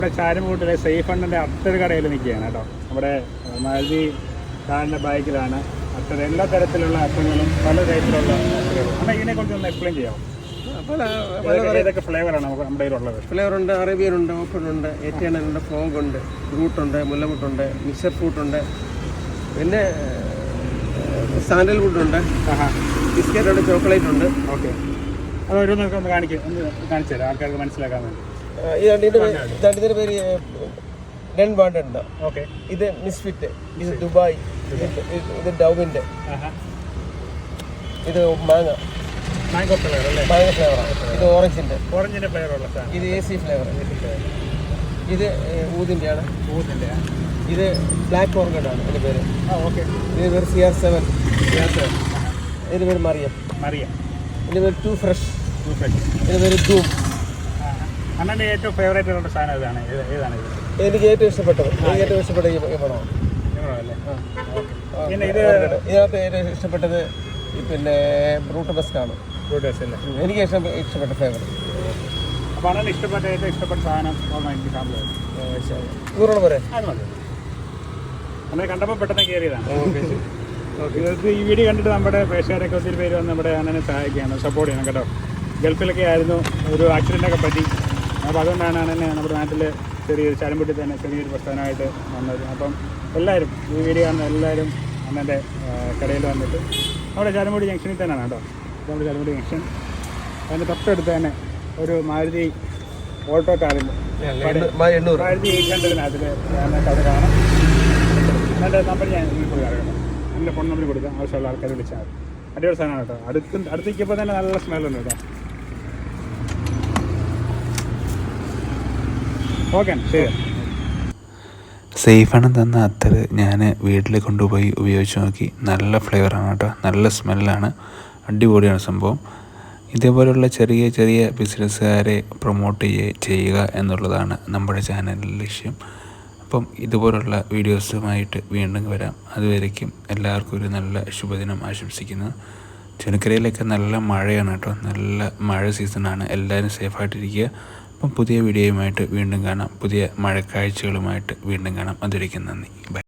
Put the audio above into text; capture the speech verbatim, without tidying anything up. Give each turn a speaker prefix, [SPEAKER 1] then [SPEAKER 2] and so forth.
[SPEAKER 1] ഇവിടെ ചാരുമൂട്ടിലെ സേഫ് ഫണ്ടിൻ്റെ അത്തർ കടയിൽ നിൽക്കുകയാണ് കേട്ടോ. നമ്മുടെ മാരുതി കാറിൻ്റെ ബൈക്കിലാണ് അത്തർ, എല്ലാ തരത്തിലുള്ള അത്തങ്ങളും പല ടൈപ്പിലുള്ള അത്തറുകളും. എന്നാൽ ഇതിനെക്കുറിച്ച് ഒന്ന് എക്സ്പ്ലെയിൻ ചെയ്യാമോ?
[SPEAKER 2] പല
[SPEAKER 1] ഏതൊക്കെ ഫ്ലേവറാണ് നമുക്ക് നമ്മുടെ കയ്യിലുള്ളത്?
[SPEAKER 2] ഫ്ലേവറുണ്ട്, അറേബ്യനുണ്ട്, ഓപ്പണുണ്ട്, എറ്റിയനുണ്ട്, ഫ്രോഗ് ഉണ്ട്, ഫ്രൂട്ടുണ്ട്, മുല്ലമുട്ടുണ്ട്, മിക്സർ ഫ്രൂട്ടുണ്ട്, പിന്നെ സാൻഡൽവുഡ് ഉണ്ട്, ബിസ്ക്കറ്റ് ഉണ്ട്, ചോക്ലേറ്റ് ഉണ്ട്.
[SPEAKER 1] ഓക്കെ, അത് ഓരോന്നൊക്കെ ഒന്ന് കാണിക്കും, ഒന്ന് കാണിച്ചു തരാം ആൾക്കാർക്ക് മനസ്സിലാക്കാൻ വേണ്ടി.
[SPEAKER 2] ഈ രണ്ടിൻ്റെ പേര് ഡെൻ ബാണ്ട് ഉണ്ട്.
[SPEAKER 1] ഓക്കെ,
[SPEAKER 2] ഇത് മിസ്ഫിറ്റ്, ഇത് ദുബായ്, ഇത് ഡൗവിൻ്റെ, ഇത് മാങ്ങ
[SPEAKER 1] മാംഗോ ഫ്ലേവർ അല്ലേ?
[SPEAKER 2] മാങ്ങ ഫ്ലേവറാണ്. ഇത് ഓറഞ്ചിൻ്റെ
[SPEAKER 1] ഓറഞ്ചിൻ്റെ ഫ്ലേവറുള്ള സാധനം.
[SPEAKER 2] ഇത് എ സി ഫ്ലേവർ. ഇത് ഊതിൻ്റെയാണ്.
[SPEAKER 1] ഊതിൻ്റെ.
[SPEAKER 2] ഇത് ബ്ലാക്ക് ഓർഗഡാണ് ഇതിൻ്റെ പേര്.
[SPEAKER 1] ആ ഓക്കെ.
[SPEAKER 2] ഇതിൻ്റെ പേര് C R seven. C R seven ഇതിൻ്റെ പേര് മറിയം.
[SPEAKER 1] മറിയം.
[SPEAKER 2] ഇതിൻ്റെ പേര് ടു ഫ്രഷ്.
[SPEAKER 1] To fresh.
[SPEAKER 2] ഇതിൻ്റെ പേര് ധൂം.
[SPEAKER 1] അണ്ണൻ്റെ ഏറ്റവും ഫേവറേറ്റ് ഉള്ള സാധനം ഏതാണ്? ഏതാണ് ഇത്?
[SPEAKER 2] എനിക്ക് ഏറ്റവും ഇഷ്ടപ്പെട്ടത് എനിക്ക് ഏറ്റവും ഇഷ്ടപ്പെട്ട ഈ പണമാണ്.
[SPEAKER 1] അല്ലേ? പിന്നെ ഇത്
[SPEAKER 2] ഇതിനകത്ത് ഏറ്റവും ഇഷ്ടപ്പെട്ടത് പിന്നെ ബ്രൂട്ട് ബസ്കാണ്.
[SPEAKER 1] ബ്രൂട്ട് ബസ് അല്ലേ?
[SPEAKER 2] എനിക്ക് ഇഷ്ടം ഇഷ്ടപ്പെട്ട ഫേവർ.
[SPEAKER 1] അപ്പോൾ അണ്ണന് ഇഷ്ടപ്പെട്ട ഏറ്റവും ഇഷ്ടപ്പെട്ട സാധനം എനിക്ക് സാമ്പിൾ
[SPEAKER 2] നൂറോളം വരെ
[SPEAKER 1] അത് മതി. അണ്ണനെ കണ്ടപ്പോൾ പെട്ടെന്ന് കയറിയതാണ്. ഇത് ഈ വീഡിയോ കണ്ടിട്ട് നമ്മുടെ പ്രേക്ഷകരൊക്കെ ഒത്തിരി പേര് വന്ന് നമ്മുടെ അണ്ണനെ സഹായിക്കുകയാണ്, സപ്പോർട്ട് ചെയ്യണം കേട്ടോ. ഗൾഫിലൊക്കെ ആയിരുന്നു, ഒരു ആക്സിഡൻ്റൊക്കെ പറ്റി. അപ്പോൾ അതുകൊണ്ടാണ് അണ്ണനെ നമ്മുടെ നാട്ടിൽ ചെറിയൊരു ചാലമ്പുട്ടി തന്നെ ചെറിയൊരു പ്രസ്ഥാനമായിട്ട് വന്നത്. അപ്പം എല്ലാവരും ഈ വീഡിയോ കാണുന്ന എല്ലാവരും അണ്ണൻ്റെ കടയിൽ വന്നിട്ട് നമ്മുടെ ചാലമ്പുടി ജംഗ്ഷനിൽ തന്നെയാണ് കേട്ടോ. നമ്മുടെ ചാലമ്പുടി ജംഗ്ഷൻ അതിൻ്റെ തൊട്ടടുത്ത് തന്നെ ഒരു മാരുതി ഓട്ടോ കാറിൻ്റെ മാരുതി എയ്റ്റ് ഹൺഡ്രഡിനകത്തിൽ കട കാണാം. അതിൻ്റെ നമ്പർ ഞാൻ ഇപ്പോൾ അറിയണം, എൻ്റെ ഫോൺ നമ്പർ കൊടുക്കാം, ആവശ്യമുള്ള ആൾക്കാർ വിളിച്ചാൽ മതി. അടിപൊളി സാധനമാണ് കേട്ടോ. അടുത്ത് അടുത്തേക്കിപ്പോൾ തന്നെ നല്ല സ്മെല്ലുണ്ട് കേട്ടോ. ഓക്കെ, ശരി.
[SPEAKER 3] സേഫാണ് തന്ന അത്തർ ഞാൻ വീട്ടിൽ കൊണ്ടുപോയി ഉപയോഗിച്ച് നോക്കി. നല്ല ഫ്ലേവറാണ് കേട്ടോ, നല്ല സ്മെല്ലാണ്, അടിപൊളിയാണ് സംഭവം. ഇതേപോലെയുള്ള ചെറിയ ചെറിയ ബിസിനസ്സുകാരെ പ്രൊമോട്ട് ചെയ്യുക എന്നുള്ളതാണ് നമ്മുടെ ചാനലിൻ്റെ ലക്ഷ്യം. അപ്പം ഇതുപോലുള്ള വീഡിയോസുമായിട്ട് വീണ്ടും വരാം. അതുവരേക്കും എല്ലാവർക്കും ഒരു നല്ല ശുഭദിനം ആശംസിക്കുന്നു. ചുനക്കരയിലൊക്കെ നല്ല മഴയാണ് കേട്ടോ, നല്ല മഴ സീസണാണ്. എല്ലാവരും സേഫായിട്ടിരിക്കുക. അപ്പം പുതിയ വീഡിയോയുമായിട്ട് വീണ്ടും കാണാം, പുതിയ മഴക്കാഴ്ചകളുമായിട്ട് വീണ്ടും കാണാം. അതുവരേക്കും നന്ദി, ബൈ.